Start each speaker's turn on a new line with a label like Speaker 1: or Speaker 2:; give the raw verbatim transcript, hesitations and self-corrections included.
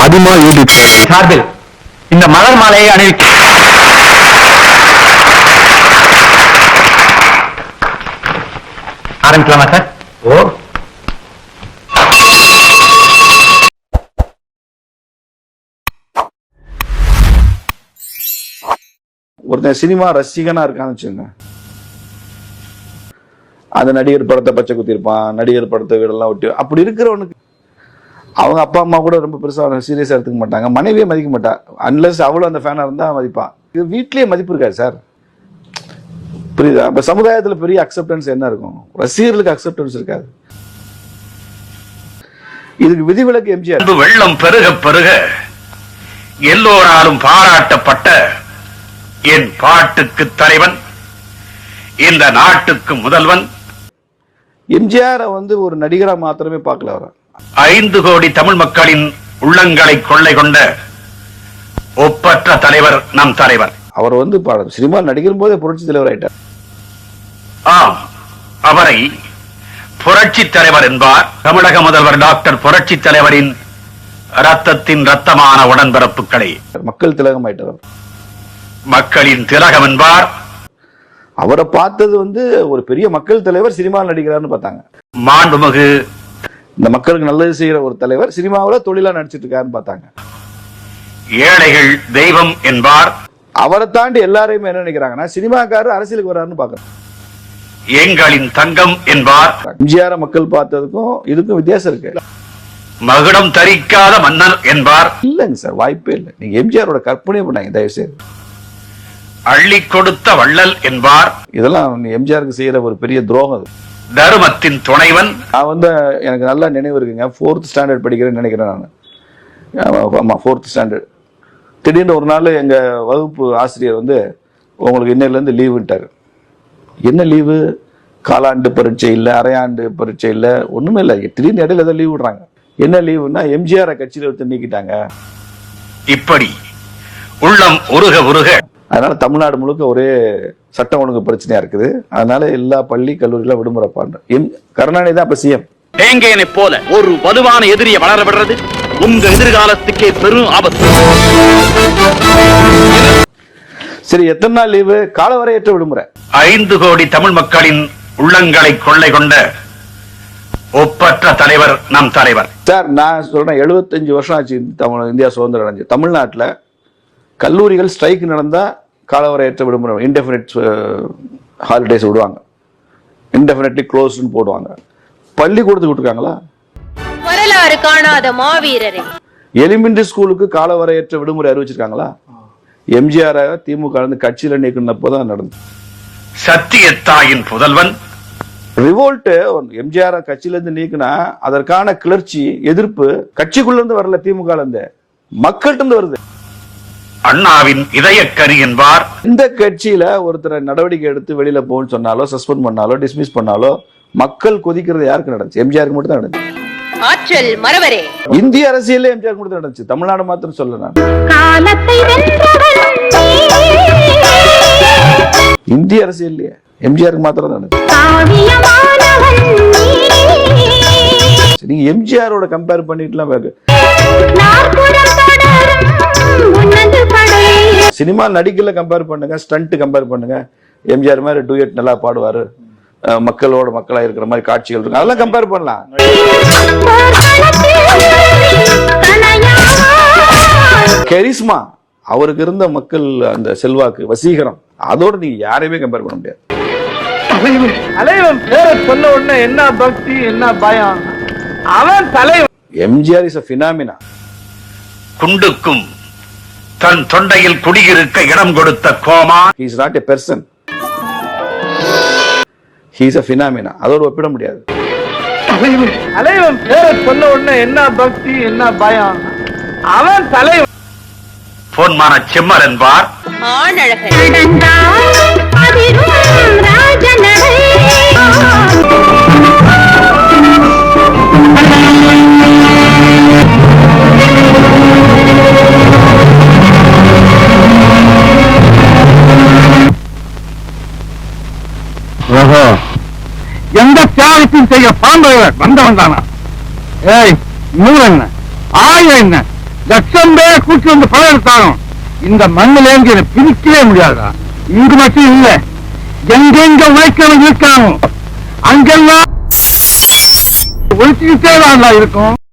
Speaker 1: அதிகமா யூடியூப் சார்பில் இந்த மலர் மாலையை அணிவிக்க ஆரம்பிக்கலாமா சார்? ஓ,
Speaker 2: ஒருத்தன் சினிமா ரசிகனா இருக்கான்னு வச்சுங்க, அந்த நடிகர் படத்தை பச்சை குத்திருப்பான், நடிகர் படத்தை வீடெல்லாம் ஒட்டி, அப்படி இருக்கிறவனுக்கு அவங்க அப்பா அம்மா கூட ரொம்ப பெருசா சீரியஸா எடுத்துக்க மாட்டாங்க, மனைவியே மதிக்க மாட்டா, அன்லஸ் அவளும் அந்த ஃபேனா இருந்தா மதிப்பான். இது வீட்லயே மதிப்பு இருக்காது சார், புரியுதா? இப்ப சமுதாயத்துல பெரிய அக்செப்டன்ஸ் என்ன இருக்கும்? ரசிகர்களுக்கு அக்செப்டன்ஸ் இருக்காது. இதுக்கு விதிவிலக்கு எம்ஜிஆர்.
Speaker 3: வெள்ளம் பெருக பெருக எல்லோராலும் பாராட்டப்பட்ட என் பாட்டுக்கு தலைவன், இந்த நாட்டுக்கு முதல்வன்.
Speaker 2: எம்ஜிஆர் வந்து ஒரு நடிகரா மாத்திரமே பார்க்கல, வர
Speaker 3: ஐந்து கோடி தமிழ் மக்களின் உள்ளங்களை கொள்ளை கொண்ட ஒப்பற்ற தலைவர் நம் தலைவர்.
Speaker 2: அவர் வந்து சினிமா நடிக்கும் போதே புரட்சி தலைவர் ஆயிட்டார்.
Speaker 3: ஆம், அவரை புரட்சி தலைவர் என்பார். தமிழக முதல்வர் டாக்டர் புரட்சி தலைவரின் ரத்தத்தின் ரத்தமான உடன்பிறப்புகளை
Speaker 2: மக்கள் திலகம் ஆயிட்டார்,
Speaker 3: மக்களின் திலகம் என்பார்.
Speaker 2: அவரை பார்த்தது வந்து ஒரு பெரிய மக்கள் தலைவர் சினிமாவில் நடிக்கிறார்னு பார்த்தாங்க.
Speaker 3: மாண்புமிகு
Speaker 2: இந்த மக்களுக்கு நல்லது செய்யற ஒரு தலைவர் சினிமாவில் தொழிலா நடிச்சிட்டு இருக்காருன்னு பார்த்தாங்க.
Speaker 3: ஏழைகள் தெய்வம் என்பார்.
Speaker 2: அவரை தாண்டி எல்லாரையுமே என்ன நினைக்கிறாங்கன்னா சினிமாக்காரர் அரசியலுக்கு வர்றாருன்னு பாக்குறாங்க.
Speaker 3: எங்களின் தங்கம் என்பார்.
Speaker 2: எம்ஜிஆர் மக்கள் பார்த்ததுக்கும் இதுக்கும் வித்தியாசம் இருக்கு.
Speaker 3: மகுடம் தரிக்காத மன்னர் என்பார்.
Speaker 2: இல்லைங்க சார், வாய்ப்பே இல்லை. நீங்க எம்ஜிஆரோட கற்பனையே பண்ணாங்க தயவு செய்து.
Speaker 3: அள்ளி கொடுத்த வள்ளல் என்பார்.
Speaker 2: இதெல்லாம் எம்ஜிஆருக்கு செய்யற ஒரு பெரிய துரோகம்.
Speaker 3: தருமத்தின் துணைவன்.
Speaker 2: நான் வந்து எனக்கு நல்லா நினைவு இருக்குங்க, ஃபோர்த் ஸ்டாண்டர்ட் படிக்கிறேன்னு நினைக்கிறேன் நான். ஆமா, ஃபோர்த் ஸ்டாண்டர்ட். திடீர்னு ஒரு நாள் எங்க வகுப்பு ஆசிரியர் வந்து உங்களுக்கு இன்னையில இருந்து லீவுட்டாரு. என்ன லீவு? காலாண்டு பரீட்சை இல்லை, அரையாண்டு பரீட்சை இல்லை, ஒண்ணுமே இல்லை. திடீர்னு இடையில ஏதோ லீவ் விடுறாங்க. என்ன லீவுன்னா எம்ஜிஆர் கட்சியில எடுத்து நீக்கிட்டாங்க.
Speaker 3: இப்படி உள்ளம் உருக உருக
Speaker 2: அதனால தமிழ்நாடு முழுக்க ஒரே சட்டம் ஒழுங்கு பிரச்சனையா இருக்குது. அதனால எல்லா பள்ளி கல்லூரியில விடுமுறை பண்ற எம் கருணாநிதி தான் இப்ப சிஎம்.
Speaker 4: தேங்கையனை போல ஒரு வலுவான எதிரியை வளர விடுறது உங்க எதிர்காலத்துக்கே பெரும் ஆபத்து.
Speaker 2: சரி, எத்தனை நாள் லீவு? காலவரையற்ற விடுமுறை.
Speaker 3: ஐந்து கோடி தமிழ் மக்களின் உள்ளங்களை கொள்ளை கொண்ட ஒப்பற்ற தலைவர் நம் தலைவர்.
Speaker 2: சார், நான் சொல்றேன், எழுபத்தஞ்சு வருஷம் ஆச்சு தமிழ் இந்தியா சுதந்திரம் அடைஞ்சு. தமிழ்நாட்டில் கல்லூரிகள் ஸ்ட்ரைக் நடந்தா காலவரையற்ற விடுமுறை, இன்டெஃபினிட் ஹாலிடேஸ் விடுவாங்க, இன்டெஃபினிட்லி க்ளோஸ்ட்னு போடுவாங்க. பள்ளிக்கூடத்துக்கு விட்டுருக்காங்களா?
Speaker 5: வரலாறு காணாத மாவீரரே.
Speaker 2: எலிமெண்டரி ஸ்கூலுக்கு காலவரையற்ற விடுமுறை அறிவிச்சிருக்காங்களா? எம்ஜிஆர் திமுக கட்சியில நீக்கினப்போதான் நடந்தது.
Speaker 3: சத்தியத்தாயின் புதல்வன்.
Speaker 2: ரிவோல்ட் எம்ஜிஆர் கட்சியில இருந்து நீக்கினா அதற்கான கிளர்ச்சி எதிர்ப்பு கட்சிக்குள்ள இருந்து வரல, திமுக இருந்து மக்கள்கிட்ட இருந்து வருது.
Speaker 3: அண்ணாவின் இதயக்கரி என்பார்.
Speaker 2: இந்த கட்சியில ஒருத்தரை நடவடிக்கை எடுத்து வெளியில போன்னு சொன்னாலோ, சஸ்பெண்ட் பண்ணாலோ, டிஸ்மிஸ் பண்ணாலோ மக்கள் கொதிக்கிறது யாருக்கு நடந்துச்சு? எம்ஜிஆருக்கு மட்டும் தான் நடந்துச்சு.
Speaker 5: ஆற்றல் மறவரே.
Speaker 2: இந்திய அரசியல் எம்ஜிஆருக்கு மட்டும் நடந்துச்சு, தமிழ்நாடு மாத்திரம் சொல்ல நான். இந்திய அரசியல் எம்ஜிஆருக்கு மாத்திரம் தான் நடந்துச்சு. நீங்க எம்ஜிஆரோட கம்பேர் பண்ணிட்டுலாம் பாரு. சினிமா நடிக்கல கம்பேர் பண்ணுங்க, ஸ்டண்ட் கம்பேர் பண்ணுங்க. எம்ஜிஆர் மாதிரி டூயட் நல்லா பாடுவாரு, மக்களோட மக்களா இருக்கிற மாதிரி காட்சிகள் இருக்கு, அதெல்லாம் கம்பேர் பண்ணலாம். கரிஸ்மா, அவருக்கு இருந்த மக்கள் அந்த செல்வாக்கு, வசீகரம், அதோட நீங்க யாரையுமே கம்பேர் பண்ண முடியாது.
Speaker 6: தலைவன் பேரை சொன்ன உடனே என்ன பக்தி, என்ன பயம். அவன் தலைவன்.
Speaker 2: MGR is a phenomena.
Speaker 3: குண்டுக்கும் தன் தொண்டையில் குடியிருக்க இடம் கொடுத்த கோமா.
Speaker 2: He is not a person. He is a phenomena. அதோட ஒப்பிட முடியாது.
Speaker 6: தலைவன் பேரை சொன்ன உடனே என்ன பக்தி, என்ன பயம். அவன் தலைவன்.
Speaker 3: பொன்மான செம்மல் என்பார்.
Speaker 1: எந்த தியாகத்தையும் செய்ய பாண்டவர் வந்தவன் தானா? ஏய், நூறு என்ன, ஆயிரம் என்ன, லட்சம் பேர் கூட்டி வந்து பணம் எடுத்தாலும் இந்த மண்ணில இருந்து என்னை பிரிக்கவே முடியாதா. இங்கு மட்டும் இல்ல, எங்கெங்க உழைக்கிறவங்க இருக்காங்க அங்கெல்லாம் ஒழிச்சுக்கிட்டே தான் இருக்கும்.